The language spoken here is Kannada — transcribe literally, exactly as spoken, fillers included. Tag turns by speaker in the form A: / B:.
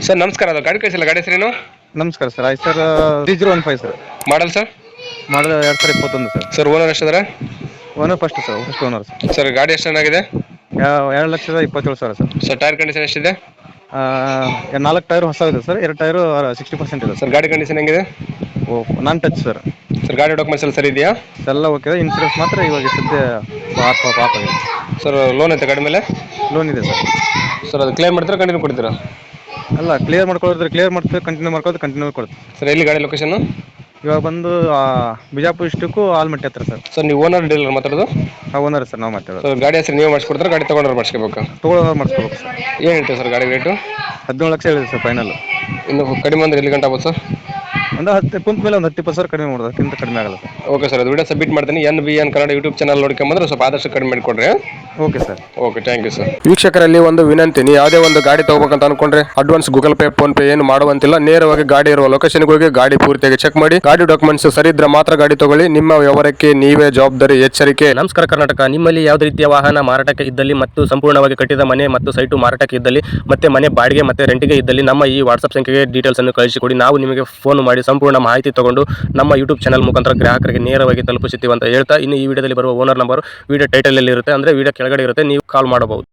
A: ಸರ್ ನಮಸ್ಕಾರ, ಅದು ಗಾಡಿ ಕಳಿಸಿಲ್ಲ, ಗಾಡಿ ಹೆಸರೇನು?
B: ನಮಸ್ಕಾರ ಸರ್. ಆಯ್ತು sir, three zero one five sir.
A: Model sir?
B: Model ಎರಡು ಸಾವಿರ ಇಪ್ಪತ್ತೊಂದು ಸರ್.
A: ಸರ್ ಓನರ್ ಎಷ್ಟಿದ್ದಾರೆ?
B: Owner first sir, first owner sir.
A: Sir ಗಾಡಿ ಎಷ್ಟು ಚೆನ್ನಾಗಿದೆ?
B: ಎರಡು ಲಕ್ಷದ ಇಪ್ಪತ್ತೇಳು ಸಾವಿರ ಸರ್.
A: ಸರ್ ಟೈರ್ ಕಂಡೀಷನ್ ಎಷ್ಟಿದೆ?
B: ನಾಲ್ಕು ಟೈರ್ ಹೊಸ ಇದೆ ಸರ್, ಎರಡು ಟೈರು ಸಿಕ್ಸ್ಟಿ ಪರ್ಸೆಂಟ್ ಇದೆ
A: ಸರ್. ಗಾಡಿ ಕಂಡೀಷನ್ ಹೆಂಗಿದೆ?
B: ಓ ನಾನ್ ಟಚ್ ಸರ್.
A: ಸರ್ ಗಾಡಿ ಡಾಕ್ಯುಮೆಂಟ್ಸ್ ಎಲ್ಲ ಸರಿ ಇದೆಯಾ?
B: ಎಲ್ಲ ಓಕೆ. ಇನ್ಸೂರೆನ್ಸ್ ಮಾತ್ರ ಇವಾಗ ಸದ್ಯ ಪಾಪ ಪಾಪ ಆಗಿದೆ
A: ಸರ್. ಲೋನ್ ಐತೆ ಗಾಡಿ ಮೇಲೆ?
B: ಲೋನ್ ಇದೆ ಸರ್.
A: ಸರ್ ಅದು ಕ್ಲೇಮ್ ಮಾಡ್ತಾರೆ, ಕಂಟಿನ್ಯೂ ಕೊಡ್ತೀರಾ?
B: ಅಲ್ಲ, ಕ್ಲಿಯರ್ ಮಾಡ್ಕೊಳಿದ್ರೆ ಕ್ಲಿಯರ್ ಮಾಡ್ತೀವಿ, ಕಂಟಿನ್ಯೂ ಮಾಡ್ಕೊಳ್ಳೋದು ಕಂಟಿನ್ಯೂ ಕೊಡ್ತೀವಿ
A: ಸರ್. ಎಲ್ಲಿ ಗಾಡಿ ಲೊಕೇಶನ್?
B: ಇವಾಗ ಬಂದು ಬಿಜಾಪುರ ಇಷ್ಟಕ್ಕೂ ಆಲ್ಮಟ್ಟಿ ಹತ್ರ ಸರ್.
A: ಸರ್ ನೀವು ಓನರ್ ಡೀಲರ್ ಮಾತಾಡೋದು?
B: ಹಾಂ, ಓನರ್ ಸರ್, ನಾವು ಮಾತಾಡೋದು.
A: ಸರ್ ಗಾಡಿ ಹೆಸರು ನೀವು ಮಾಡಿಸ್ಕೊಡ್ತಾರೆ, ಗಾಡಿ ತೊಗೊಂಡ್ರೆ ಮಾಡಿಸ್ಕೋಬೇಕು?
B: ತೊಗೊಳೋರು ಮಾಡಿಸ್ಕೋಬೇಕು ಸರ್.
A: ಏನು ಹೇಳ್ತೀವಿ ಸರ್ ಗಾಡಿ ರೇಟು?
B: ಹದಿನೇಳು ಲಕ್ಷ ಹೇಳಿದೆ ಸರ್ ಫೈನಲ್.
A: ಇನ್ನು ಕಡಿಮೆ ಅಂದ್ರೆ ಎಲ್ಲಿ ಗಂಟೆ ಆಗ್ಬೋದು ಸರ್?
B: ಒಂದು ಹತ್ತು ಕುಂತ ಮೇಲೆ ಒಂದು ಹತ್ತು ಇಪ್ಪತ್ತು ಸಾವಿರ ಕಡಿಮೆ ಮಾಡೋದು, ಅದಕ್ಕಿಂತ ಕಡಿಮೆ ಆಗಲ್ಲ ಸರ್.
A: ಓಕೆ ಸರ್, ಅದು ವಿಡಿಯೋ ಸಬ್ಮಿಟ್ ಮಾಡ್ತೀನಿ. N B N Kannada YouTube channel ನೋಡ್ಕೊಂಬಂದ್ರೆ ಸ್ವಲ್ಪ ಆದಷ್ಟು ಕಡಿಮೆ ಮಾಡಿಕೊಡ್ರಿ.
B: Okay sir.
A: Okay, thank you sir. ವೀಕ್ಷಕರಲ್ಲಿ ಒಂದು ವಿನಂತಿ, ನೀವು ಯಾವುದೇ ಒಂದು ಗಾಡಿ ತಗೋಬೇಕಂತ ಅನ್ಕೊಂಡ್ರೆ advance Google Pay PhonePe ಏನು ಮಾಡುವಂತಿಲ್ಲ. ನೇರವಾಗಿ ಗಾಡಿ ಇರುವ ಲೊಕೇಶನ್ಗೆ ಹೋಗಿ ಗಾಡಿ ಪೂರ್ತಿಯಾಗಿ ಚೆಕ್ ಮಾಡಿ, ಗಾಡಿ ಡಾಕ್ಯುಮೆಂಟ್ಸ್ ಸರಿ ಇದ್ರೆ ಮಾತ್ರ ಗಾಡಿ ತಗೊಳ್ಳಿ. ನಿಮ್ಮ ವ್ಯವಹಾರಕ್ಕೆ ನೀವೇ ಜವಾಬ್ದಾರಿ. ಎಚ್ಚರಿಕೆ.
C: ನಮಸ್ಕಾರ ಕರ್ನಾಟಕ. ನಿಮ್ಮಲ್ಲಿ ಯಾವುದೇ ರೀತಿಯ ವಾಹನ ಮಾರಾಟಕ್ಕೆ ಇದ್ದಲ್ಲಿ ಮತ್ತು ಸಂಪೂರ್ಣವಾಗಿ ಕಟ್ಟಿದ ಮನೆ ಮತ್ತು ಸೈಟು ಮಾರಾಟಕ್ಕೆ ಇದ್ದಲ್ಲಿ ಮತ್ತೆ ಮನೆ ಬಾಡಿಗೆ ಮತ್ತೆ ರೆಂಟಿಗೆ ಇದ್ದಲ್ಲಿ ನಮ್ಮ ಈ ವಾಟ್ಸ್ಆಪ್ ಸಂಖ್ಯೆಗೆ ಡೀಟೇಲ್ಸ್ ಅನ್ನು ಕಳಿಸಿಕೊಡಿ. ನಾವು ನಿಮಗೆ ಫೋನ್ ಮಾಡಿ ಸಂಪೂರ್ಣ ಮಾಹಿತಿ ತಗೊಂಡು ನಮ್ಮ ಯೂಟ್ಯೂಬ್ ಚಾನಲ್ ಮುಖಾಂತರ ಗ್ರಾಹಕರಿಗೆ ನೇರವಾಗಿ ತಲುಪಿಸುತ್ತೀವಿ ಅಂತ ಹೇಳ್ತಾ, ಇನ್ನು ಈ ವಿಡಿಯೋದಲ್ಲಿ ಬರುವ ಓನರ್ ನಂಬರ್ ವಿಡಿಯೋ ಟೈಟಲ್ ಅಲ್ಲಿ ಇರುತ್ತೆ, ಅಂದ್ರೆ ವಿಡಿಯೋ ಕೆಳಗಡೆ ಇರುತ್ತೆ, ನೀವು ಕಾಲ್ ಮಾಡಬಹುದು.